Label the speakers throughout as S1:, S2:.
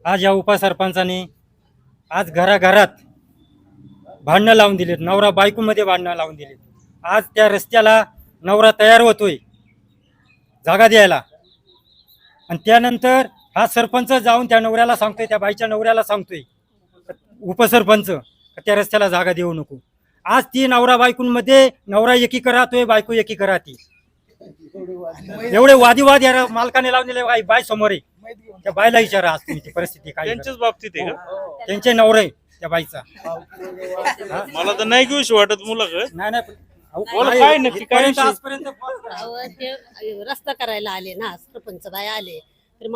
S1: आज या उपसरपंचाने आज घराघरात भांडणं लावून दिलेत, नवरा बायकोमध्ये भांडणं लावून दिलेत। आज त्या रस्त्याला नवरा तयार होतोय जागा द्यायला, आणि त्यानंतर हा सरपंच जाऊन त्या नवऱ्याला सांगतोय, त्या बाईच्या नवऱ्याला सांगतोय उपसरपंच त्या रस्त्याला जागा देऊ नको। आज ती नवरा बायकोंमध्ये नवरा एकीकडे राहतोय, बायको एकीकडे राहते। एवढे वादिवाद या मालकाने लावलेले बाई समोर आहे, त्या बाईला विचारा आज तुम्ही ती परिस्थिती काय
S2: त्यांच्याच बाबतीत आहे का?
S1: त्यांचे नवरे आहे त्या बाईचा।
S2: मला तर नाही घेऊशी वाटत मुलाखत.
S1: नाही नाही
S2: बोला, काय नक्की काय विषय?
S1: आजपर्यंत
S3: ते रस्ता करायला आले ना, सरपंच बाई आले तर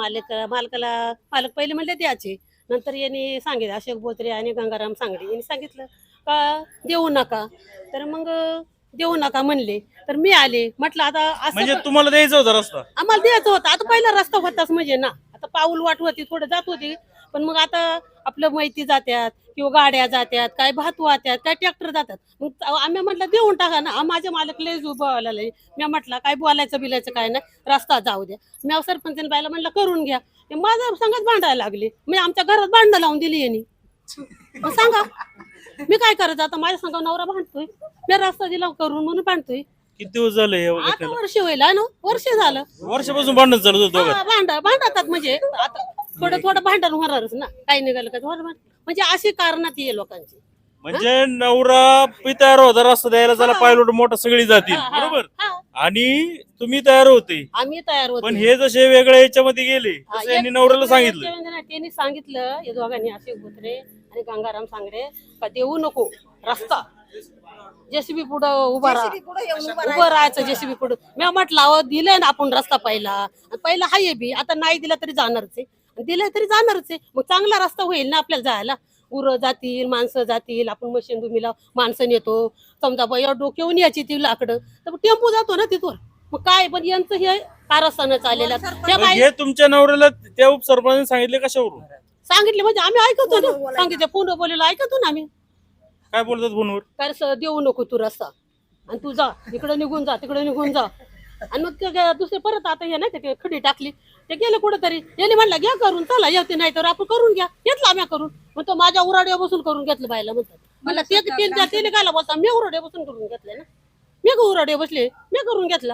S3: मालक पहिले म्हणले द्यायचे, नंतर यांनी सांगितलं अशोक बोत्रे आणि गंगाराम सांगडे यांनी सांगितलं का देऊ नका, तर मग देऊ नका म्हणले, तर मी आले म्हटलं आता
S2: म्हणजे
S3: असं
S2: तुम्हाला द्यायचा होता रस्ता?
S3: आम्हाला द्यायचं होतं। आता पहिला रस्ता होताच म्हणजे ना, आता पाऊल वाट होती, थोडं जात होती, पण मग आता आपलं माहिती जात्यात किंवा गाड्या जात्यात, काय भात वाहत्यात, काय ट्रॅक्टर जातात, मग आम्ही म्हटलं देऊन टाका ना। माझे मालक लय बोलायला मी म्हटलं काय बोलायचं बिलायचं काय नाही, रस्ता जाऊ द्या। मी सरपंच बायला म्हटलं करून घ्या, ते माझ्या संगत भांडायला लागले, मी आमच्या घरात भांडणं लावून दिली यांनी। मग सांगा मी काय करायचं आता, माझ्या संग नवरा भांडतोय, मी रस्ता दिला करून म्हणून भांडतोय।
S2: किती दिवस झाले
S3: आता वर्ष होईल ना, वर्ष झालं
S2: वर्षापासून भांडण चालू होतं दोघांत?
S3: भांडतात म्हणजे आता थोडं भांडण होणारच ना, काही निघालं का म्हणजे अशी कारणात ये लोकांची।
S2: म्हणजे नवरा बी तयार होता रस्ता द्यायला, त्याला पायलोट मोठा सगळी जातील बरोबर, आणि तुम्ही तयार होते,
S3: आम्ही तयार होतो,
S2: पण हे जसे वेगळ्या याच्यामध्ये गेले तसं यांनी नवऱ्याला सांगितलं।
S3: त्यांनी सांगितलं या दोघांनी, अशोक बोत्रे आणि गंगाराम सांगडे, का देऊ नको रस्ता, जेसीबी पुढं उभं राहायचं, जेसीबी पुढं। मी म्हटलं दिलंय ना आपण रस्ता पहिला हाय बी, आता नाही दिला तरी जाणारच आहे, दिलं तरी जाणारच आहे, मग चांगला रस्ता होईल ना आपल्याला जायला, उरं जातील, माणसं जातील, आपण मशीन भूमीला माणसं नेतो, समजा बाया डोक्यावून यायची ती लाकडं, तर टेम्पो जातो ना तिथून, मग काय पण यांचं हे कारस्थानं चाललेलं त्या
S2: मग हे तुमच्या नवऱ्याला त्या उपसरपंचाने सांगितले कशावरून?
S3: सांगितले म्हणजे आम्ही ऐकतो ना, सांगितलं फोन बोललेलं ऐकतो ना आम्ही,
S2: काय बोलतात फोनवर?
S3: काय देऊ नको तू रस्ता, आणि तू जा इकडे निघून जा, तिकडे निघून जा, आणि मग दुसरे परत आता हे नाही ते खडी टाकली, ते गेले कुठेतरी, याने म्हणला घ्या करून, चला येते नाही तर आपण करून घ्या, घेतला आम्ही करून, मग तो माझ्या उराड्या बसून करून घेतलं बायला म्हणतात, म्हणलं ते गायला बोलता, मी उराड्या बसून करून घेतले ना, मी उराडे बसले, मी करून घेतला।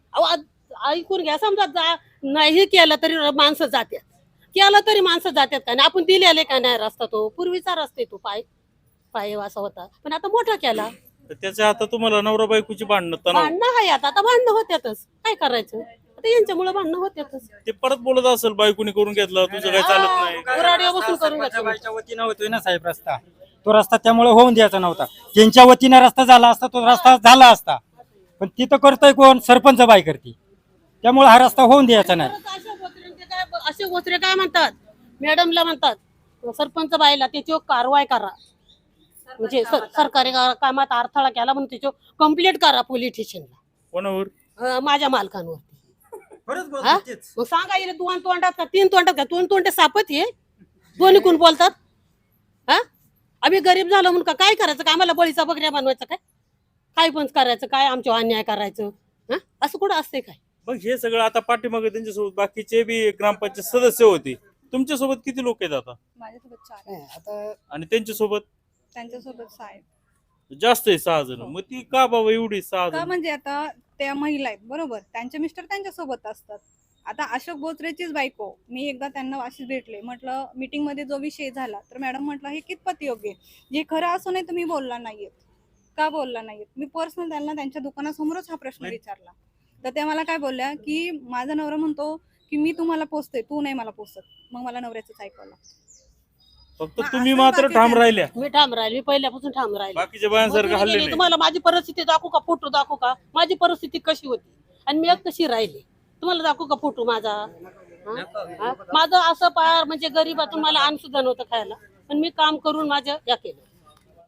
S3: ऐकून घ्या, समजा नाही केलं तरी माणसं जात्यात, केलं तरी माणसं जात्यात का नाही, आपण दिलेले का नाही रस्ता, तो पूर्वीचा रस्ता तो पाय असा होता, पण आता मोठा केला,
S2: त्याच्या आता तुम्हाला नवरा बायकोची भांडणं
S3: भांडणं आहे आता भांडणं होत्यातच, काय करायचं आता, यांच्यामुळे भांडणं होत्यातच।
S2: ते परत बोलत असेल बायकोनी करून घेतला, तुझं काय चालत नाही,
S3: उराड्या बसून करून घेतलं।
S1: बाईच्या वतीनं होतोय ना साहेब रस्ता, तो रस्ता त्यामुळे होऊन द्यायचा नव्हता, त्यांच्या वतीनं रस्ता झाला असता, तो रस्ता झाला असता, पण तिथं करतोय कोण? सरपंच बाई करते, त्यामुळे हा रस्ता होऊन द्यायचा नाही।
S3: अशोक बोत्रे काय म्हणतात, मॅडमला म्हणतात सरपंच बाईला त्याच्यावर कारवाई करा, म्हणजे सरकारी कामात अडथळा केला म्हणून त्याच्यावर कंप्लेंट करा पोलीस स्टेशनला।
S2: कोणावर?
S3: माझ्या मालकांवरती। मग सांगा येईल, दोन तोंडात का तीन तोंडात का, दोन तोंडे सापत हे दोन्ही कोण बोलतात? हा आम्ही गरीब झालो म्हणून काय करायचं का, आम्हाला बळीचा बकऱ्या बनवायचं काय पण करायचं काय, आमच्या अन्याय करायचं, हा असं कुठं असते काय?
S2: मग हे सगळं आता पाठीमागे त्यांच्यासोबत बाकीचे बी ग्रामपंचायत सदस्य होते, तुमच्यासोबत किती लोक आहेत आता?
S4: माझ्यासोबत 4 आहे,
S2: आणि त्यांच्यासोबत?
S4: त्यांच्यासोबत 6 आहेत।
S2: जास्त आहे 6 जण, मग ती का बाबा एवढी 6
S4: का
S2: जण?
S4: म्हणजे आता त्या महिला आहेत बरोबर, त्यांचे मिस्टर त्यांच्यासोबत असतात। आता अशोक बोत्रेचीच बायको, मी एकदा त्यांना अशीच भेटले, म्हटलं मीटिंग मध्ये जो विषय झाला, तर मॅडम म्हटलं हे कितपत योग्य आहे, जे खरं असूनही तुम्ही बोलला नाहीयेत, का बोलला नाहीयेत? मी पर्सनल त्यांना त्यांच्या दुकानासमोरच हा प्रश्न विचारला, तर त्या मला काय बोलल्या की माझा नवरा म्हणतो की मी तुम्हाला पोचते, तू नाही मला पोचत, मग मला नवऱ्याचंच ऐकावं लागतं।
S2: फक्त तुम्ही मात्र ठाम राहिल्या,
S3: मी ठाम राहिले, मी पहिल्यापासून ठाम राहिले,
S2: बाकीच्या बायांसारखं हल्ले नाही?
S3: तुम्हाला माझी परिस्थिती दाखवू का, फोटो दाखवू का, माझी परिस्थिती कशी होती आणि मी कशी राहिली, तुम्हाला दाखवू का फोटो माझा? माझं असं पार म्हणजे गरीबातून मला अन्न सुद्धा नव्हतं खायला, पण मी काम करून माझं या केलं।